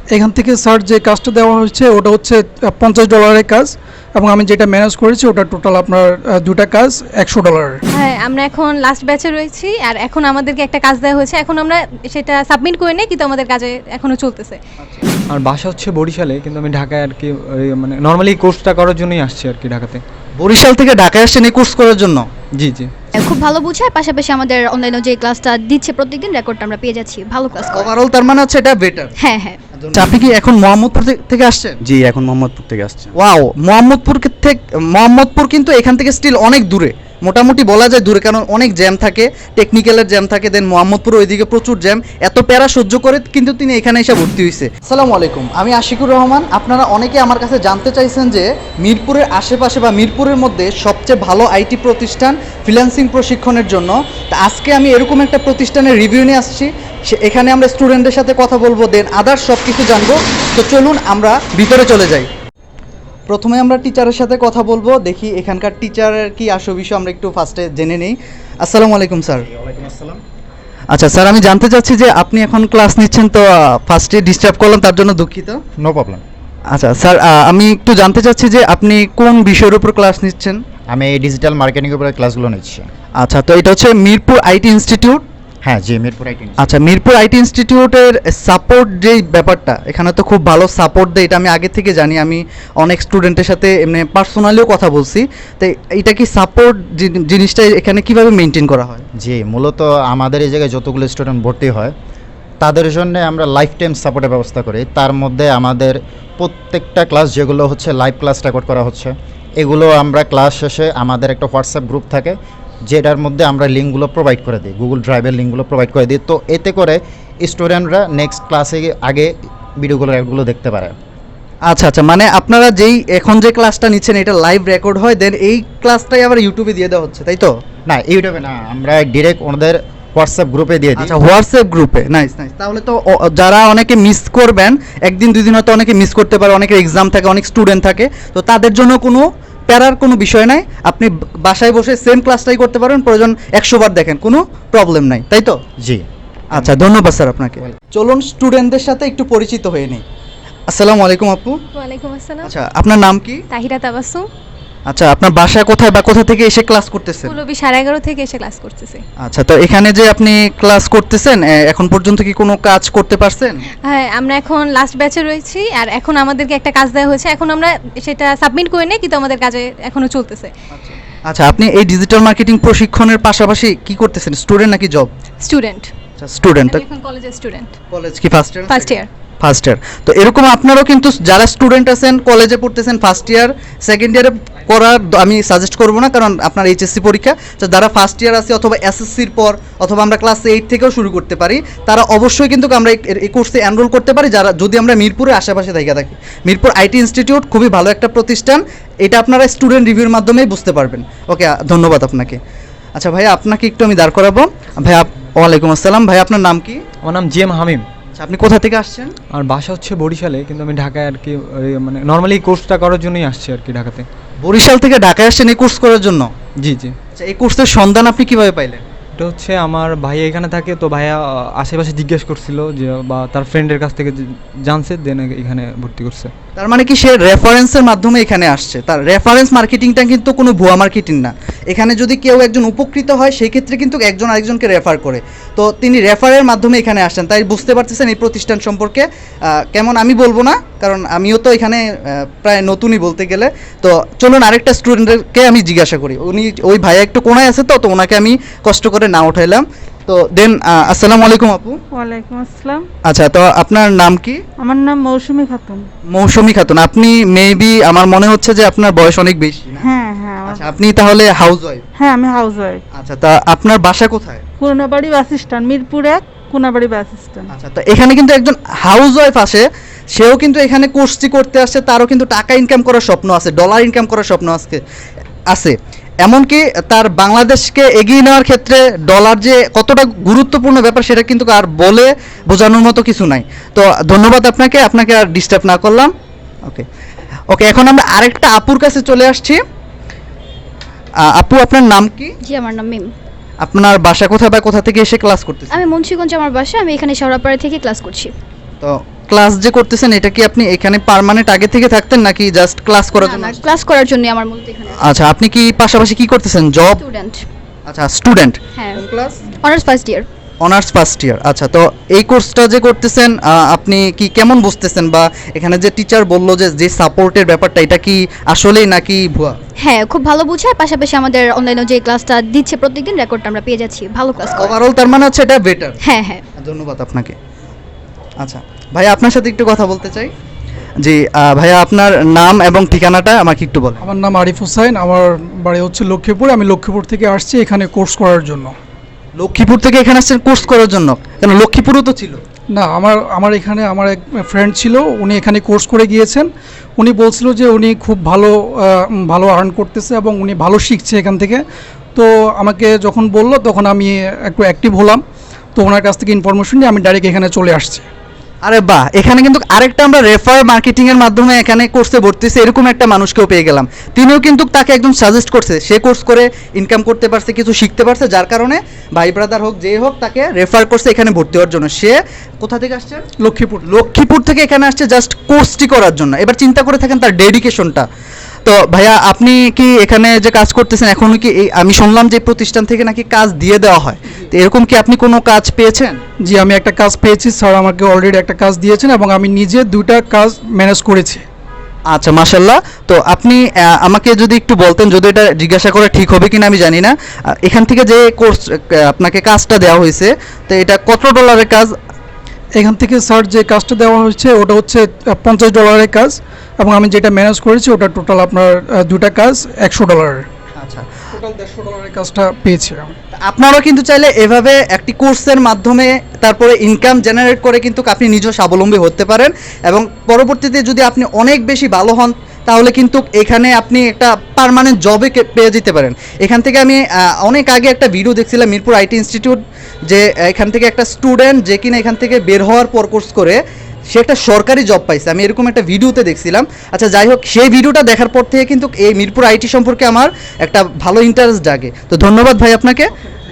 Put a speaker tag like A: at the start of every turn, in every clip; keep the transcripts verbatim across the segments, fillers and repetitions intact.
A: এখান থেকে স্যার যে কাজটা দেওয়া হচ্ছে ওটা হচ্ছে পঞ্চাশ ডলারের কাজ, এবং আমি যেটা ম্যানেজ করেছি ওটা টোটাল আপনার দুটা কাজ একশো ডলারের।
B: হ্যাঁ, আমরা এখন লাস্ট ব্যাচে রয়েছি, আর এখন আমাদেরকে একটা কাজ দেওয়া হয়েছে, এখন আমরা সেটা সাবমিট করে নেই, কিন্তু আমাদের কাজে এখনো চলতেছে।
C: আর বাসা হচ্ছে বরিশালে, কিন্তু আমি ঢাকায় আর কি ওই মানে নর্মালি কোর্সটা করার জন্যই আসছি আর কি ঢাকাতে।
D: বরিশাল থেকে ঢাকায় আসছেন এই কোর্স করার জন্য?
C: জি জি।
E: খুব ভালো বুঝায়, পাশাপাশি আমাদের অনলাইনে যে ক্লাসটা দিচ্ছে প্রত্যেকদিন রেকর্ডটা আমরা পেয়ে যাচ্ছি, ভালো ক্লাস করে।
D: ওভারঅল তার মানে হচ্ছে এটা বেটার।
E: হ্যাঁ হ্যাঁ।
D: আচ্ছা, আপনি কি এখন মোহাম্মদপুর থে- থেকে আসছেন?
F: জি, এখন মোহাম্মদপুর থেকে আসছে।
D: ওয়াও, মোহাম্মদপুর কে- থেকে মোহাম্মদপুর কিন্তু এখান থেকে স্টিল অনেক দূরে, মোটামুটি বলা যায় দূরে, কারণ অনেক জ্যাম থাকে, টেকনিক্যালের জ্যাম থাকে, দেন মোহাম্মদপুর ওইদিকে প্রচুর জ্যাম, এত প্যারা সহ্য করে কিন্তু তিনি এখানে এসে ভর্তি হয়েছে। আসসালামু আলাইকুম, আমি আশিকুর রহমান। আপনারা অনেকে আমার কাছে জানতে চাইছেন যে মিরপুরের আশেপাশে বা মিরপুরের মধ্যে সবচেয়ে ভালো আইটি প্রতিষ্ঠান ফ্রিল্যান্সিং প্রশিক্ষণের জন্য। তা আজকে আমি এরকম একটা প্রতিষ্ঠানের রিভিউ নিয়ে আসছি, সে এখানে আমরা স্টুডেন্টদের সাথে কথা বলবো, দেন আদার্স সব কিছু জানবো। তো চলুন আমরা ভিতরে চলে যাই। প্রথমে আমরা টিচারের সাথে কথা বলবো, দেখি এখানকার টিচারের কি আসল বিষয় আমরা একটু ফার্স্টে জেনে নেই। আসসালামু আলাইকুম স্যার।
F: ওয়ালাইকুম আসসালাম।
D: আচ্ছা স্যার, আমি জানতে চাচ্ছি যে আপনি এখন ক্লাস নিচ্ছেন, তো ফার্স্টে ডিস্টার্ব করলাম, তার জন্য দুঃখিত।
F: No problem.
D: আচ্ছা স্যার, আমি একটু জানতে চাচ্ছি যে আপনি কোন বিষয়ের উপর ক্লাস নিচ্ছেন?
F: আমি ডিজিটাল মার্কেটিংয়ের উপরে ক্লাসগুলো নিচ্ছি।
D: আচ্ছা, তো এটা হচ্ছে মিরপুর আইটি ইনস্টিটিউট।
F: হ্যাঁ জি, মিরপুর আইটি।
D: আচ্ছা, মিরপুর আইটি ইনস্টিটিউটের সাপোর্ট যেই ব্যাপারটা, এখানে তো খুব ভালো সাপোর্ট দেয়, এটা আমি আগে থেকে জানি, আমি অনেক স্টুডেন্টের সাথে এমনি পার্সোনালিও কথা বলছি। তো এটা কি সাপোর্ট জিনিসটা এখানে কিভাবে মেনটেন করা হয়?
F: জি, মূলত আমাদের এই জায়গায় যতগুলো স্টুডেন্ট ভর্তি হয় তাদের জন্য আমরা লাইফ টাইম সাপোর্টের ব্যবস্থা করি। তার মধ্যে আমাদের প্রত্যেকটা ক্লাস যেগুলো হচ্ছে লাইভ ক্লাস রেকর্ড করা হচ্ছে, এগুলো আমরা ক্লাস শেষে আমাদের একটা হোয়াটসঅ্যাপ গ্রুপ থাকে, যেটার মধ্যে আমরা লিঙ্কগুলো প্রোভাইড করে দিই, গুগল ড্রাইভের লিঙ্কগুলো প্রোভাইড করে দিই। তো এতে করে স্টুডেন্টরা নেক্সট ক্লাসে আগে ভিডিওগুলো এগুলো দেখতে পারে।
D: আচ্ছা আচ্ছা, মানে আপনারা যেই এখন যে ক্লাসটা নিচ্ছেন এটা লাইভ রেকর্ড হয়, দেন এই ক্লাসটাই আবার ইউটিউবে দিয়ে দেওয়া হচ্ছে, তাই তো?
F: না, ইউটিউবে না, আমরা ডিরেক্ট ওনাদের হোয়াটসঅ্যাপ গ্রুপে দিয়ে দিই।
D: আচ্ছা, হোয়াটসঅ্যাপ গ্রুপে, নাইস নাইস। তাহলে তো ও- যারা অনেকে মিস করবেন, একদিন দুই দিন হয়তো অনেকে মিস করতে পারে, অনেকের এক্সাম থাকে, অনেক স্টুডেন্ট থাকে, তো তাদের জন্য কোনো প্যারার কোনো বিষয় নাই, আপনি বাসায় বসে সেম ক্লাসটাই করতে পারেন, প্রয়োজন একশো বার দেখেন, কোনো প্রবলেম নাই, তাই তো?
F: জি।
D: আচ্ছা, ধন্যবাদ স্যার আপনাকে। চলুন স্টুডেন্টদের সাথে একটু পরিচিত হয়ে নিই। আসসালামু আলাইকুম আপু।
B: ওয়ালাইকুম আসসালাম।
D: আচ্ছা, আপনার নাম কি?
B: তাহিরা তাবাসসুম।
D: আচ্ছা, আপনার বাসা কোথায় বা কোথা থেকে এসে ক্লাস করতেছেন?
B: পুলবি সাড়ে এগারো থেকে এসে ক্লাস করতেছে।
D: আচ্ছা, তো এখানে যে আপনি ক্লাস করতেছেন, এ, এখন পর্যন্ত কি কোনো কাজ করতে পারছেন?
B: হ্যাঁ, আমরা এখন লাস্ট ব্যাচে রয়েছি, আর এখন আমাদেরকে একটা কাজ দেওয়া হয়েছে, এখন আমরা সেটা সাবমিট করে নেই, কিন্তু আমাদের কাজে এখনো চলতেছে।
D: আচ্ছা, আপনি এই ডিজিটাল মার্কেটিং প্রশিক্ষণের পাশাপাশি কি করতেছেন? স্টুডেন্ট নাকি জব?
B: স্টুডেন্ট।
D: আচ্ছা, স্টুডেন্ট।
B: আমি এখন কলেজের স্টুডেন্ট।
D: কলেজ কি first year?
B: First year.
D: First year. তো এরকম আপনারাও কিন্তু যারা স্টুডেন্ট আছেন, কলেজে পড়তেছেন, ফার্স্ট ইয়ার সেকেন্ড ইয়ারে করার দ- আমি সাজেস্ট করবো না, কারণ আপনার এইচএসসি পরীক্ষা, তো যারা ফার্স্ট ইয়ার আছে অথবা এসএসসির পর অথবা আমরা ক্লাস এইট থেকেও শুরু করতে পারি, তারা অবশ্যই কিন্তু আমরা এই- এই কোর্সে এনরোল করতে পারি, যারা যদি আমরা মিরপুরের আশেপাশে থেকে থাকি। মিরপুর আইটি ইনস্টিটিউট খুবই ভালো একটা প্রতিষ্ঠান, এটা আপনারা স্টুডেন্ট রিভিউর মাধ্যমেই বুঝতে পারবেন। ওকে, ধন্যবাদ আপনাকে। আচ্ছা ভাইয়া, আপনাকে একটু আমি দাঁড় করাবো। ভাইয়া, ওয়ালাইকুম আসসালাম। ভাই, আপনার নাম কি?
C: আমার নাম জি এম হামিম।
D: আচ্ছা, আপনি কোথা থেকে আসছেন?
C: আর বাসা হচ্ছে বরিশালে, কিন্তু আমি ঢাকায় আর কি ওই মানে নর্মালি কোর্সটা করার জন্যই আসছি আর কি ঢাকাতে।
D: বরিশাল থেকে ঢাকায় আসছেন এই কোর্স করার জন্য?
C: জি জি।
D: আচ্ছা, এই কোর্সের সন্ধান আপনি কিভাবে পাইলেন?
C: এটা হচ্ছে আমার ভাইয়া এখানে থাকে, তো ভাইয়া আহ, আশেপাশে জিজ্ঞেস করছিল যে, বা তার ফ্রেন্ডের কাছ থেকে যে- জানছে, দেন এখানে ভর্তি করছে।
D: তার মানে কি সে রেফারেন্সের মাধ্যমে এখানে আসছে? তার রেফারেন্স মার্কেটিংটা কিন্তু কোনো ভুয়া মার্কেটিং না। এখানে যদি কেউ একজন উপকৃত হয়, সেই ক্ষেত্রে কিন্তু একজন আরেকজনকে রেফার করে, তো তিনি রেফারের মাধ্যমে এখানে আসছেন, তাই বুঝতে পারতেছেন এই প্রতিষ্ঠান সম্পর্কে আহ, কেমন আমি বলবো না, কারণ আমিও তো এখানে আহ, প্রায় নতুনই বলতে গেলে। তো চলুন আরেকটা স্টুডেন্টকে আমি জিজ্ঞাসা করি, উনি ওই ভাইয়া একটু কোনায় আছে, তো তো ওনাকে আমি কষ্ট করে না উঠাইলাম। তো দেন আসসালামু আলাইকুম আপু।
G: ওয়ালাইকুম আসসালাম।
D: আচ্ছা, তো আপনার নাম কি?
G: আমার নাম মৌসুমী খাতুন।
D: মৌসুমী খাতুন। আপনি মেবি, আমার মনে হচ্ছে যে আপনার বয়স অনেক বেশি না?
G: হ্যাঁ হ্যাঁ আমার-
D: আচ্ছা, আপনি তাহলে হাউস ওয়াইফ?
G: হ্যাঁ, আমি হাউস ওয়াইফ।
D: আচ্ছা, তা আপনার বাসা কোথায়?
G: কুনাবাড়ি বাস স্ট্যান্ড, মিরপুর এক, কুনাবাড়ি বাস স্ট্যান্ড।
D: আচ্ছা, তো এখানে কিন্তু একজন হাউস ওয়াইফ আসে, সেও কিন্তু এখানে কোর্সটি করতে আসছে, তারও কিন্তু টাকা ইনকাম করার স্বপ্ন আছে, ডলার ইনকাম করার স্বপ্ন আজকে আছে। এমনকি তার বাংলাদেশকে এগিয়ে নেওয়ার ক্ষেত্রে ডলার যে কতটা গুরুত্বপূর্ণ ব্যাপার, সেটা কিন্তু আর বলে বোঝানোর মতো কিছু নাই। তো ধন্যবাদ আপনাকে, আপনাকে আর ডিস্টার্ব না করলাম। ওকে ওকে, এখন আমরা আরেকটা আপুর কাছে চলে আসছি। আহ, আপু, আপনার নাম কি?
E: জি, আমার নাম মিম।
D: আপনার বাসা কোথায় বা কোথা থেকে এসে ক্লাস করতেছেন?
E: আমি মুন্সিগঞ্জ আমার বাসা, আমি এখানে শেওড়াপাড়া থেকে ক্লাস করছি।
D: তো ক্লাস যে করতেছেন এটা কি আপনি এখানে পার্মানেন্ট আগে থেকে থাকতেন নাকি জাস্ট ক্লাস করার
E: না
D: জন্য?
E: না ক্লাস করার জন্য আমার মূলত এখানে
D: আচ্ছা, আপনি কি পাশাপাশি কি করতেছেন, জব?
E: স্টুডেন্ট।
D: আচ্ছা, স্টুডেন্ট।
E: হ্যাঁ,
D: কোন class?
E: Honours first year.
D: Honours first year. আচ্ছা, তো এই কোর্সটা যে করতেছেন আহ, আপনি কি কেমন বুঝতেছেন, বা এখানে যে টিচার বললো যে যে সাপোর্টের ব্যাপারটা এটা কি আসলেই নাকি ভুয়া?
E: হ্যাঁ, খুব ভালো বুঝায়, পাশাপাশি আমাদের অনলাইনে যে ক্লাসটা দিচ্ছে প্রত্যেকদিন রেকর্ডটা আমরা পেয়ে যাচ্ছি, ভালো ক্লাস করে।
D: ওভারঅল তার মানে হচ্ছে এটা বেটার।
E: হ্যাঁ হ্যাঁ।
D: ধন্যবাদ আপনাকে। আচ্ছা ভাইয়া, আপনার সাথে একটু কথা বলতে চাই। জি আহ, ভাইয়া আপনার নাম এবং ঠিকানাটা আমাকে একটু বলেন।
A: আমার নাম আরিফ হোসাইন, আমার বাড়ি হচ্ছে লক্ষ্মীপুর। আমি লক্ষ্মীপুর থেকে আসছি এখানে কোর্স করার জন্য।
D: লক্ষ্মীপুর থেকে এখানে আসছেন কোর্স করার জন্য? কেন, লক্ষ্মীপুরও তো ছিল।
A: না, আমার আমার এখানে আমার এক ফ্রেন্ড ছিল, উনি এখানে কোর্স করে গিয়েছেন। উনি বলছিল যে উনি খুব ভালো আহ, ভালো আর্ন করতেছে এবং উনি ভালো শিখছে এখান থেকে। তো আমাকে যখন বললো তখন আমি একটু অ্যাক্টিভ হলাম। তো ওনার কাছ থেকে ইনফরমেশন নিয়ে আমি ডাইরেক্ট এখানে চলে আসছি।
D: আরে বাহ, এখানে কিন্তু আরেকটা আমরা রেফার মার্কেটিং এর মাধ্যমে এখানে কোর্সে ভর্তি হয়েছে এরকম একটা মানুষকেও পেয়ে গেলাম। তিনিও কিন্তু তাকে একদম সাজেস্ট করছে, সে কোর্স করে ইনকাম করতে পারছে, কিছু শিখতে পারছে, যার কারণে ভাই ব্রাদার হোক যে হোক তাকে রেফার করছে এখানে ভর্তি হওয়ার জন্য। সে কোথা থেকে আসছে?
A: লক্ষ্মীপুর।
D: লক্ষ্মীপুর থেকে এখানে আসছে জাস্ট কোর্সটি করার জন্য। এবার চিন্তা করে থাকেন তার ডেডিকেশনটা। তো ভাইয়া, আপনি কি এখানে যে কাজ করতেছেন এখনো কি এই, আমি শুনলাম যে প্রতিষ্ঠান থেকে নাকি কাজ দিয়ে দেওয়া হয়, তো এরকম কি আপনি কোনো কাজ পেয়েছেন?
A: জি, আমি একটা কাজ পেয়েছি, স্যার আমাকে অলরেডি একটা কাজ দিয়েছেন এবং আমি নিজে দুইটা কাজ ম্যানেজ করেছি।
D: আচ্ছা, মাশাল্লাহ। তো আপনি আহ, আমাকে যদি একটু বলতেন, যদি এটা জিজ্ঞাসা করা ঠিক হবে কিনা আমি জানি না, আহ, এখান থেকে যে কোর্স আপনাকে কাজটা দেওয়া হয়েছে, তো এটা কত ডলারের কাজ?
A: এখান থেকে স্যার যে কাজটা দেওয়া হচ্ছে ওটা হচ্ছে পঞ্চাশ ডলারের কাজ এবং আমি যেটা ম্যানেজ করেছি ওটা টোটাল আপনার আহ, দুটা কাজ একশো ডলারের।
D: আচ্ছা,
A: টোটাল দেড়শো ডলারের কাজটা পেয়েছি আমি।
D: আপনারাও কিন্তু চাইলে এভাবে একটি কোর্সের মাধ্যমে তারপরে ইনকাম জেনারেট করে কিন্তু আপনি নিজেও স্বাবলম্বী হতে পারেন, এবং পরবর্তীতে যদি আপনি অনেক বেশি ভালো হন তাহলে কিন্তু এখানে আপনি একটা পার্মানেন্ট জবে পেয়ে যেতে পারেন। এখান থেকে আমি আহ, অনেক আগে একটা ভিডিও দেখছিলাম মিরপুর আইটি ইনস্টিটিউট, যে এখান থেকে একটা স্টুডেন্ট যে কিনা এখান থেকে বের হওয়ার পর কোর্স করে সে একটা সরকারি জব পাইছে, আমি এরকম একটা ভিডিওতে দেখছিলাম। আচ্ছা যাই হোক, সেই ভিডিওটা দেখার পর থেকে কিন্তু এই মিরপুর আইটি সম্পর্কে আমার একটা ভালো ইন্টারেস্ট জাগে। তো ধন্যবাদ ভাই আপনাকে।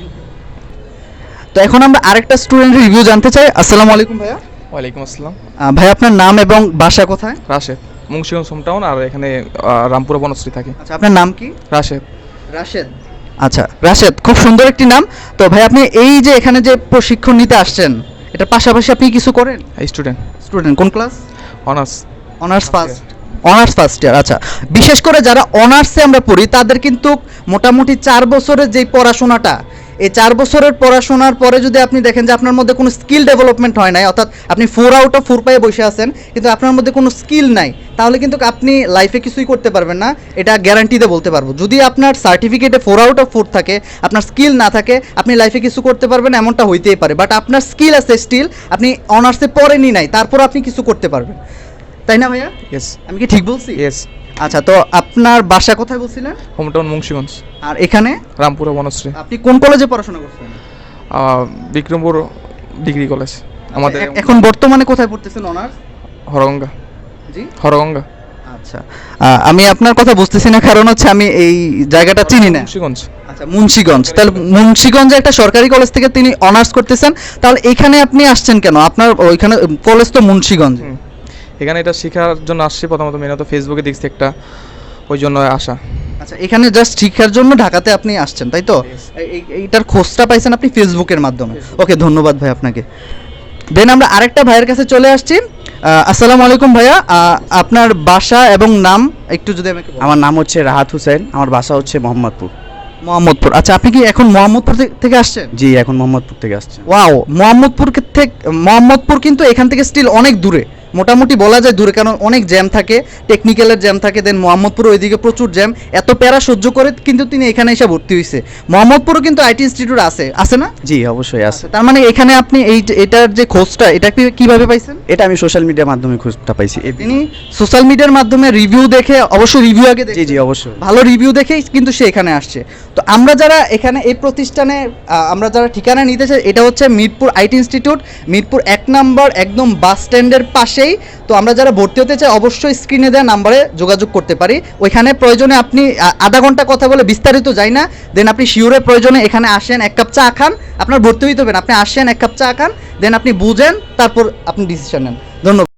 D: তো এখন আমরা আরেকটা স্টুডেন্টের রিভিউ জানতে চাই। আসসালামু আলাইকুম ভাইয়া।
H: ওয়ালাইকুম আসসালাম।
D: আহ, ভাই আপনার নাম এবং বাসা কোথায়?
H: রাশেদ, মুন্সিগঞ্জ হোমটাউন, আর এখানে আহ, রামপুরা বনশ্রী থাকে।
D: আচ্ছা, আপনার নাম কি?
H: রাশেদ।
D: রাশেদ। আচ্ছা রাশেদ, খুব সুন্দর একটি নাম। তো ভাই আপনি এই যে এখানে যে প্রশিক্ষণ নিতে আসছেন, এটার পাশাপাশি আপনি কিছু করেন?
H: স্টুডেন্ট।
D: স্টুডেন্ট কোন class?
H: Honours.
D: Honours first. Honours first year. আচ্ছা, বিশেষ করে যারা অনার্সে আমরা পড়ি তাদের কিন্তু মোটামুটি চার বছরের যেই পড়াশোনাটা, এই চার বছরের পড়াশোনার পরে যদি আপনি দেখেন যে আপনার মধ্যে কোনো স্কিল ডেভেলপমেন্ট হয় নাই, অর্থাৎ আপনি ফোর আউট অফ ফোর পায়ে বসে আছেন কিন্তু আপনার মধ্যে কোনো স্কিল নাই, তাহলে কিন্তু আপনি লাইফে কিছুই করতে পারবেন না, এটা গ্যারান্টিতে বলতে পারবো। যদি আপনার সার্টিফিকেটে ফোর আউট অফ ফোর থাকে, আপনার স্কিল না থাকে, আপনি লাইফে কিছু করতে পারবেন এমনটা হইতেই পারে, বাট আপনার স্কিল আছে স্টিল, আপনি অনার্সে পড়েনি নাই, তারপর আপনি কিছু করতে পারবেন, তাই না ভাইয়া?
H: ইয়েস।
D: আমি কি ঠিক বলছি?
H: ইয়েস।
D: আচ্ছা, তো আপনার বাসা কোথায় বলছিলেন?
H: হোমটাউন মুন্সিগঞ্জ।
D: আর এখানে
H: রামপুরা বনশ্রী।
D: আপনি কোন কলেজে পড়াশোনা করছেন?
H: আহ, বিক্রমপুর ডিগ্রি কলেজ আমাদের।
D: এ- এখন বর্তমানে কোথায় পড়তেছেন অনার্স?
H: হরগঙ্গা।
D: জি,
H: হরগঙ্গা।
D: আচ্ছা। আহ, আমি আপনার কথা বুঝতেছি না, কারণ হচ্ছে আমি এই জায়গাটা চিনি না।
H: মুন্সিগঞ্জ।
D: আচ্ছা, মুন্সিগঞ্জ। তাহলে মুন্সিগঞ্জে একটা সরকারি কলেজ থেকে তিনি অনার্স করতেছেন, তাহলে এখানে আপনি আসছেন কেন? আপনার ওইখানে কলেজ তো মুন্সিগঞ্জ।
H: হুম। এখানে এটা শেখার জন্য আসছি, প্রথমত মেনত ফেসবুকে দেখছি একটা, ওই জন্য আসা।
D: আচ্ছা, এখানে জাস্ট শিক্ষার জন্য ঢাকাতে আপনি আসছেন, তাই তো? এই- এই- এইটার খোঁজটা পাইছেন আপনি ফেসবুকের মাধ্যমে। ওকে, ধন্যবাদ ভাই আপনাকে। দেন আমরা আরেকটা ভাইয়ের কাছে চলে আসছি। আহ, আসসালামু আলাইকুম ভাইয়া, আহ, আপনার বাসা এবং নাম একটু যদি আমাকে বলেন।
I: আমার নাম হচ্ছে রাহাত হোসেন, আমার বাসা হচ্ছে মোহাম্মদপুর।
D: মোহাম্মদপুর। আচ্ছা, আপনি কি এখন মোহাম্মদপুর থে- থেকে আসছেন?
I: জি, এখন মোহাম্মদপুর থেকে আসছে।
D: ওয়াও, মোহাম্মদপুর থেকে মোহাম্মদপুর কিন্তু এখান থেকে স্টিল অনেক দূরে, মোটামুটি বলা যায় দূরে, কারণ অনেক জ্যাম থাকে, টেকনিক্যালের জ্যাম থাকে, দেন মোহাম্মদপুর ওইদিকে প্রচুর জ্যাম, এত প্যারা সহ্য করে কিন্তু তিনি এখানে এসে ভর্তি হয়েছে। মোহাম্মদপুরও কিন্তু আইটি ইনস্টিটিউট আছে, আছে না?
I: জি, অবশ্যই আছে।
D: তার মানে এখানে আপনি এই যে- এটার যে খোঁজটা, এটা কি- কিভাবে পাইছেন?
I: এটা আমি সোশ্যাল মিডিয়ার মাধ্যমে খোঁজটা পাইছি। এই-
D: তিনি সোশ্যাল মিডিয়ার মাধ্যমে রিভিউ দেখে, অবশ্যই রিভিউ আগে
I: জি
D: দেখে,
I: জি অবশ্যই।
D: ভালো রিভিউ দেখেই কিন্তু সে এখানে আসছে। তো আমরা যারা এখানে এই প্রতিষ্ঠানে আহ, আমরা যারা ঠিকানা নিতে চাই, এটা হচ্ছে মিরপুর আইটি ইনস্টিটিউট, মিরপুর এক নম্বর একদম বাস স্ট্যান্ডের পাশে সেই। তো আমরা যারা ভর্তি হতে চাই অবশ্যই স্ক্রিনে দেওয়া নাম্বারে যোগাযোগ করতে পারি। ওইখানে প্রয়োজনে আপনি আ- আধা ঘন্টা কথা বলে বিস্তারিত যাই না, দেন আপনি শিওরে প্রয়োজনে এখানে আসেন, এক কাপ চা খান, আপনার ভর্তি হইতে হবে না, আপনি আসেন এক কাপ চা খান, দেন আপনি বুঝেন, তারপর আপনি ডিসিশন নেন। ধন্যবাদ।